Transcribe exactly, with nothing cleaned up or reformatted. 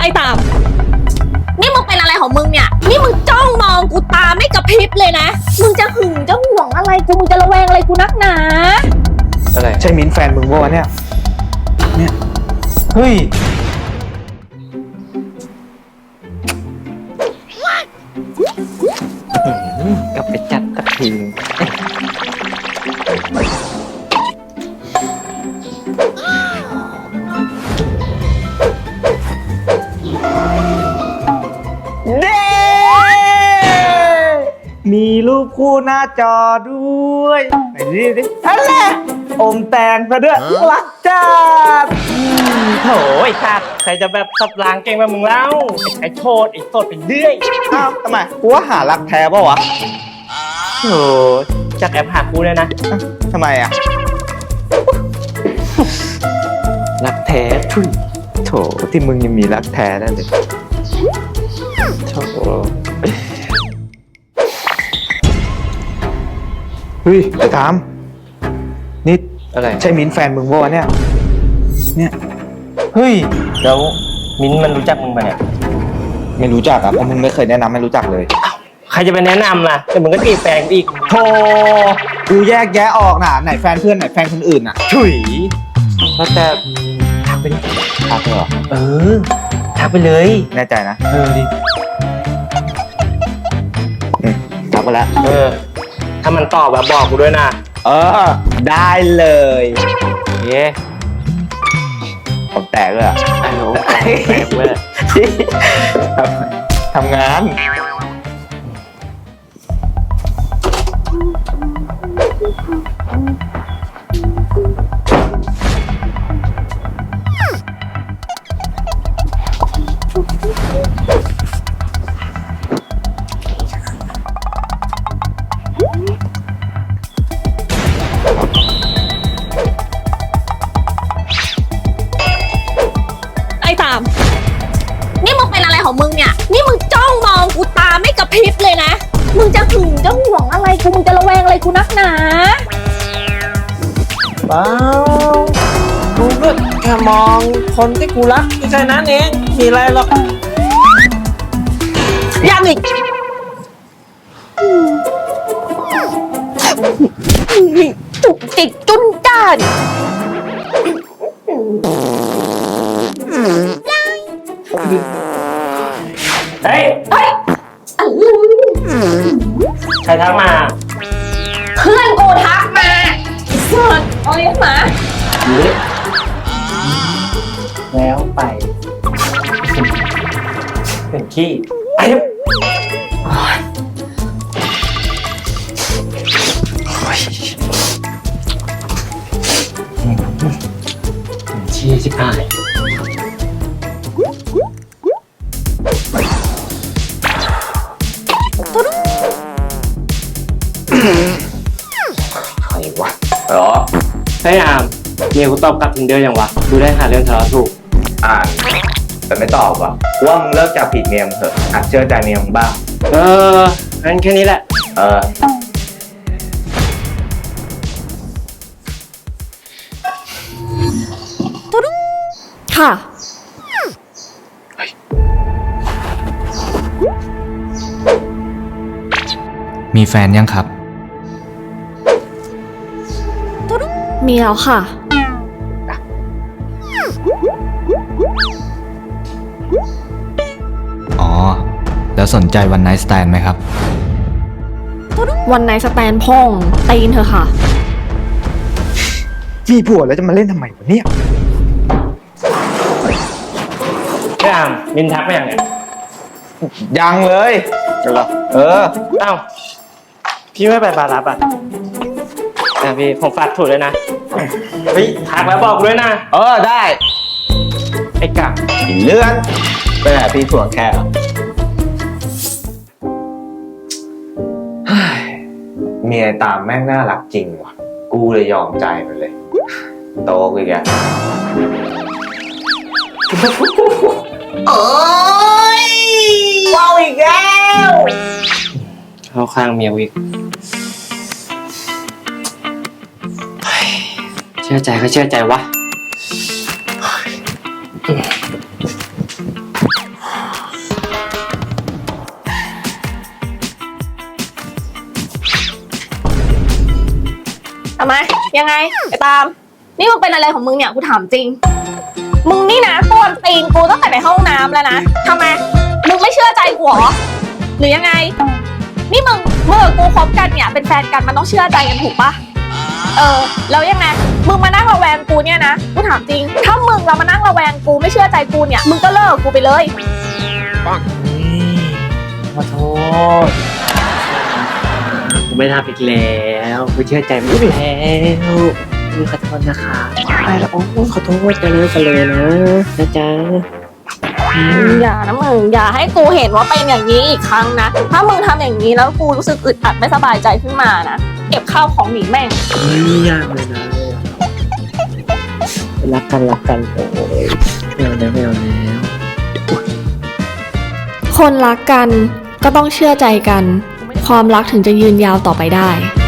อ้ตามนี่มึงเป็นอะไรของมึงเนี่ยนี่มึงจ้องมองกูตาไม่กระพริบเลยนะมึงจะหึงจะห่วงอะไรกูมึงจะระแวงอะไรกูนักหนาอะไรใช่มิ้นแฟนมึงปะวะเนี่ยเนี่ยเฮ้ยกลับไปจัดตะทีเด้มีรูปคู่หน้าจอด้วยไหนดิดิอะไรอมแตงซะด้วยรักจัดโถไอ้ขาดใครจะแบบสับล้างเก่งแบบมึงเล่าไอ้โทษไอ้โทษเป็นเรื่อยอ้าวทำไมกูว่าหารักแท้ป่าวะโถจากแอปหากูเลยนะทำไมอ่ะรักแท้ทุยโถที่มึงยังมีรักแท้นั่นเลยโถเฮ้ยไอ้ถามนี่อะไรใช่มิ้นแฟนมึงปะวะเนี่ยเนี่ยเฮ้ยแล้วมิ้นมันรู้จักมึงปะเนี่ยไม่รู้จักอ่ะเพราะมึงไม่เคยแนะนำไม่รู้จักเลยใครจะไปแนะนำล่ะแต่มึงก็ตีแฟนอีกโธ่กูแยกแยะออกน่ะไหนแฟนเพื่อนไหนแฟนคนอื่นน่ะถุยก็แต่ทักไปดิทักเลยเหรอเออทักไปเลยแน่ใจนะเออดิทักไปแล้วเออถ้ามันตอบแบบบอกกูด้วยนะเออได้เลยเย้ผมแตกเลยอ่ะไอ้โหแตกเลยทำงานนี่มึงเป็นอะไรของมึงเนี่ยนี่มึงจ้องมองกูตาไม่กระพริบเลยนะมึงจะหึงจะห่วงอะไรกูมึงจะระแวงอะไรกูนักหนาเปล่ากูก็แค่มองคนที่กูรักแค่นั้นเองมีอะไรหรอกยังอีกจุกจิกจุนจ้านเฮ้ยเฮ้ยใครทักมาเพื่อนกูทักมาเสิร์ชเอาเลี้ยงหมาแล้วไปเป็นขี้ไอ้ขี้ชิบหายใครวะหรอไอ้อามเมียกูตอบกลับทินเดอร์ยังวะดูได้หาเรื่องทะเลาะถูกอ่านแต่ไม่ตอบวะว่ามึงเลิกจับผิดเมียมึงเถอะหัดเชื่อใจเมียมึงบ้างเอองั้นแค่นี้แหละเออค่ะมีแฟนยังครับมีแล้วค่ะอ๋อแล้วสนใจวันไนท์สแตนไหมครับวันไนท์สแตนพ่องตีนเธอค่ะจีผัวแล้วจะมาเล่นทำไมวะเนี่ยไม่อ่านมินทักไม่ยังไงยังเลยเหรอเออเอ้าพี่ไม่ไปบารับอ่ะอ่ะพี่ผมฝากถูกเลยนะเฮ้ยทักแล้วบอกด้วยนะเออได้ไอ้กะอีเลื่อนไปไหนพี่ถ่วงแค่เมียตามแม่งน่ารักจริงว่ะกูเลยยอมใจมันเลยโตกูอีกอ่ะโอ้ยว้าวอีกแล้วเข้าข้างเมียวิกเชื่อใจก็เชื่อใจวะยังไงไอ้ตาม นี่มึงเป็นอะไรของมึงเนี่ยกูถามจริง มึงนี่นะกวนตีนกูตั้งแต่ในห้องน้ำแล้วนะทำไมมึงไม่เชื่อใจกูเหรอหรือยังไง นี่มึงเมื่อกูคบกันเนี่ยเป็นแฟนกันมันต้องเชื่อใจกันถูกปะเออแล้วยังไงมึงมานั่งระแวงกูเนี่ยนะกูถามจริงถ้ามึงเรามานั่งระแวงกูไม่เชื่อใจกูเนี่ยมึงก็เลิกกูไปเลยขอโทษผมไม่ทำอีกแล้วไม่เชื่อใจมึงแล้วมึงขอโทษนะคะไปแล้วโอ้ขอโทษกันเลยกันเลยนะนะจ๊ะอย่านะมึงอย่าให้กูเห็นว่าเป็นอย่างนี้อีกครั้งนะถ้ามึงทำอย่างนี้แล้วกูรู้สึกอึดอัดไม่สบายใจขึ้นมานะเก็บข้าวของหนีแม่งไม่ยากเลยนะรักกันรักกันโอ้ยไม่เอาแล้วไม่เอาแล้วคนรักกันก็ต้องเชื่อใจกัน ความรักถึงจะยืนยาวต่อไปได้